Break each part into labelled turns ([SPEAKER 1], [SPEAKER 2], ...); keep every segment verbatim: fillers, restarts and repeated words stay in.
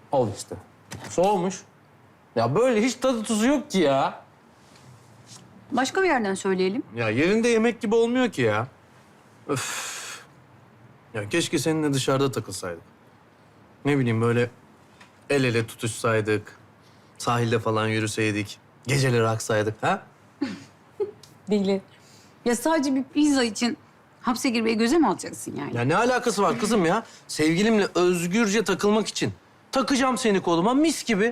[SPEAKER 1] Al işte. Soğumuş. Ya böyle hiç tadı tuzu yok ki ya.
[SPEAKER 2] Başka bir yerden söyleyelim.
[SPEAKER 1] Ya yerinde yemek gibi olmuyor ki ya. Öf. Ya keşke seninle dışarıda takılsaydık. Ne bileyim böyle el ele tutuşsaydık. Sahilde falan yürüseydik. Geceleri aksaydık ha?
[SPEAKER 2] Değil. Ya sadece bir pizza için hapse girmeyi göze mi alacaksın yani?
[SPEAKER 1] Ya ne alakası var kızım ya? Sevgilimle özgürce takılmak için. Takacağım seni koluma mis gibi.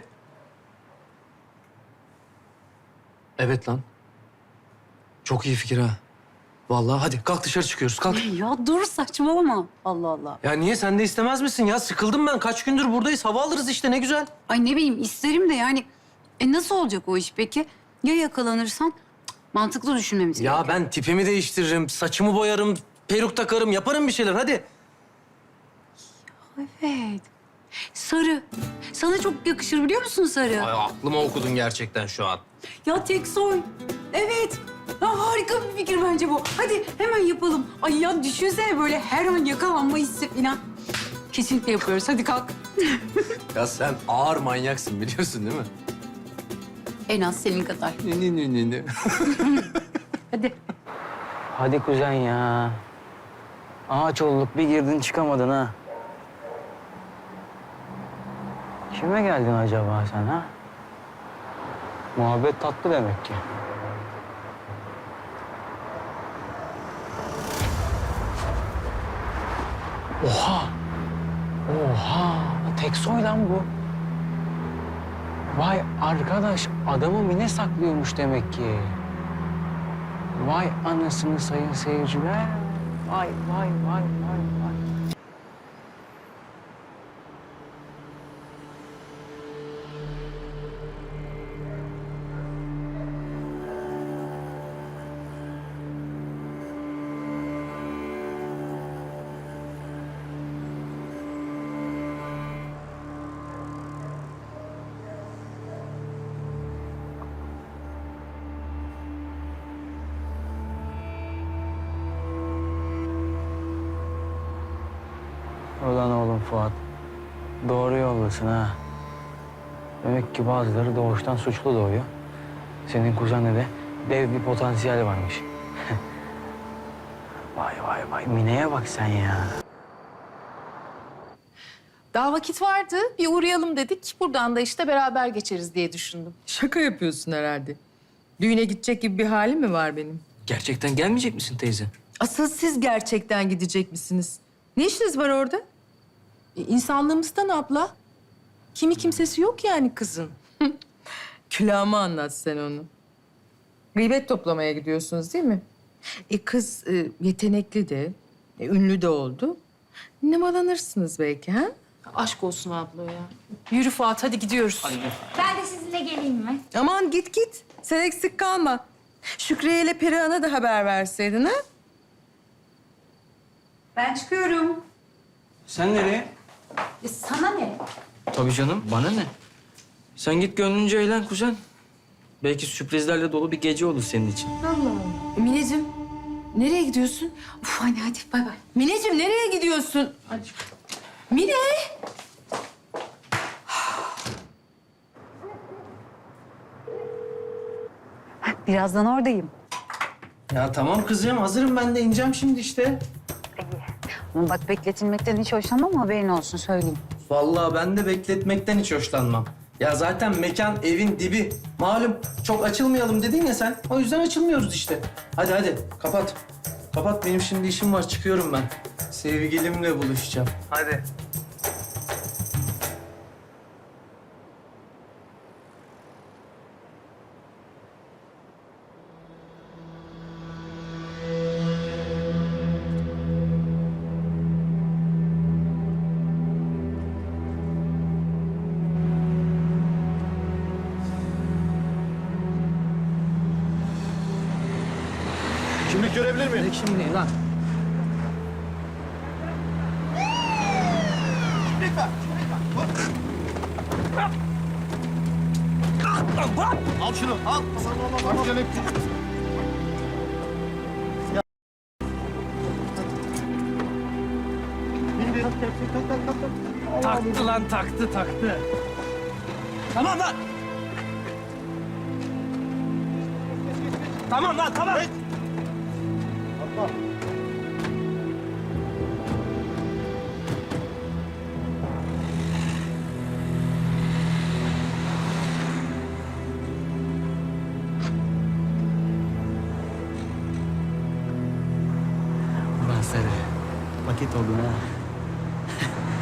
[SPEAKER 1] Evet lan. Çok iyi fikir ha. Vallahi hadi kalk dışarı çıkıyoruz kalk.
[SPEAKER 2] Ya dur saçmalama. Allah Allah.
[SPEAKER 1] Ya niye sen de istemez misin ya? Sıkıldım ben. Kaç gündür buradayız. Hava alırız işte ne güzel.
[SPEAKER 2] Ay ne bileyim isterim de yani. E nasıl olacak o iş peki? Ya yakalanırsan? Cık, mantıklı düşünmemiz
[SPEAKER 1] Ya
[SPEAKER 2] gerekiyor.
[SPEAKER 1] ben tipimi değiştiririm, saçımı boyarım, peruk takarım, yaparım bir şeyler hadi.
[SPEAKER 2] Evet. Sarı. Sana çok yakışır biliyor musun sarı?
[SPEAKER 1] Ay aklıma okudun gerçekten şu an.
[SPEAKER 2] Ya tek soy. Evet. Ya harika bir fikir bence bu. Hadi hemen yapalım. Ay ya düşünsene böyle her an yakalanma hissi falan. Kesinlikle yapıyoruz. Hadi kalk.
[SPEAKER 1] Ya sen ağır manyaksın biliyorsun değil mi?
[SPEAKER 2] En az senin kadar.
[SPEAKER 1] Ne ne ne ne ne.
[SPEAKER 2] Hadi.
[SPEAKER 3] Hadi kuzen ya. Ağaç olduk bir girdin çıkamadın ha. Kime geldin acaba sen ha? Muhabbet tatlı demek ki. Oha! Oha! Teksoy lan bu. Vay arkadaş adamı Mine saklıyormuş demek ki. Vay anasını sayın seyirciler. Vay vay vay vay vay. Ulan oğlum Fuat. Doğru yoldasın ha. Demek ki bazıları doğuştan suçlu doğuyor. Senin kuzende de dev bir potansiyel varmış. Vay vay vay. Mine'ye bak sen ya.
[SPEAKER 4] Daha vakit vardı. Bir uğrayalım dedik. Buradan da işte beraber geçeriz diye düşündüm.
[SPEAKER 5] Şaka yapıyorsun herhalde. Düğüne gidecek gibi bir halim mi var benim?
[SPEAKER 3] Gerçekten gelmeyecek misin teyze?
[SPEAKER 5] Asıl siz gerçekten gidecek misiniz? Ne işiniz var orada?
[SPEAKER 4] E, insanlığımızdan abla. Kimi kimsesi yok yani kızın.
[SPEAKER 5] Külahıma anlat sen onu. Gıybet toplamaya gidiyorsunuz değil mi? E kız e, yetenekli de, e, ünlü de oldu. Nemalanırsınız belki ha?
[SPEAKER 4] Aşk olsun abla ya. Yürü Fuat hadi gidiyoruz.
[SPEAKER 6] Ben de sizinle geleyim mi?
[SPEAKER 5] Aman git git. Sen eksik kalma. Şükriye ile Perihan'a da haber verseydin ha?
[SPEAKER 2] Ben çıkıyorum.
[SPEAKER 3] Sen nereye?
[SPEAKER 2] E sana ne?
[SPEAKER 3] Tabii canım. Bana ne? Sen git gönlünce eğlen kuzen. Belki sürprizlerle dolu bir gece olur senin için.
[SPEAKER 5] E, Mineciğim, nereye gidiyorsun?
[SPEAKER 2] Uf anne hadi bay bay.
[SPEAKER 5] Mineciğim nereye gidiyorsun? Mine!
[SPEAKER 2] Birazdan oradayım.
[SPEAKER 1] Ya tamam kızım hazırım ben de ineceğim şimdi işte.
[SPEAKER 2] Ama bak bekletilmekten hiç hoşlanmam haberin olsun söyleyeyim.
[SPEAKER 1] Vallahi ben de bekletmekten hiç hoşlanmam. Ya zaten mekan evin dibi. Malum çok açılmayalım dedin ya sen. O yüzden açılmıyoruz işte. Hadi hadi kapat. Kapat benim şimdi işim var çıkıyorum ben. Sevgilimle buluşacağım. Hadi.
[SPEAKER 7] Kimlik görebilir miyim?
[SPEAKER 1] Şimdi lan.
[SPEAKER 7] Al şunu, al. Bak canım. Bin bin. Tak tak tak tak tak.
[SPEAKER 1] Taktı lan taktı taktı. Tamam lan. Tamam lan tamam.
[SPEAKER 7] Atla.
[SPEAKER 3] Ulan sarı. Paket oldun ha.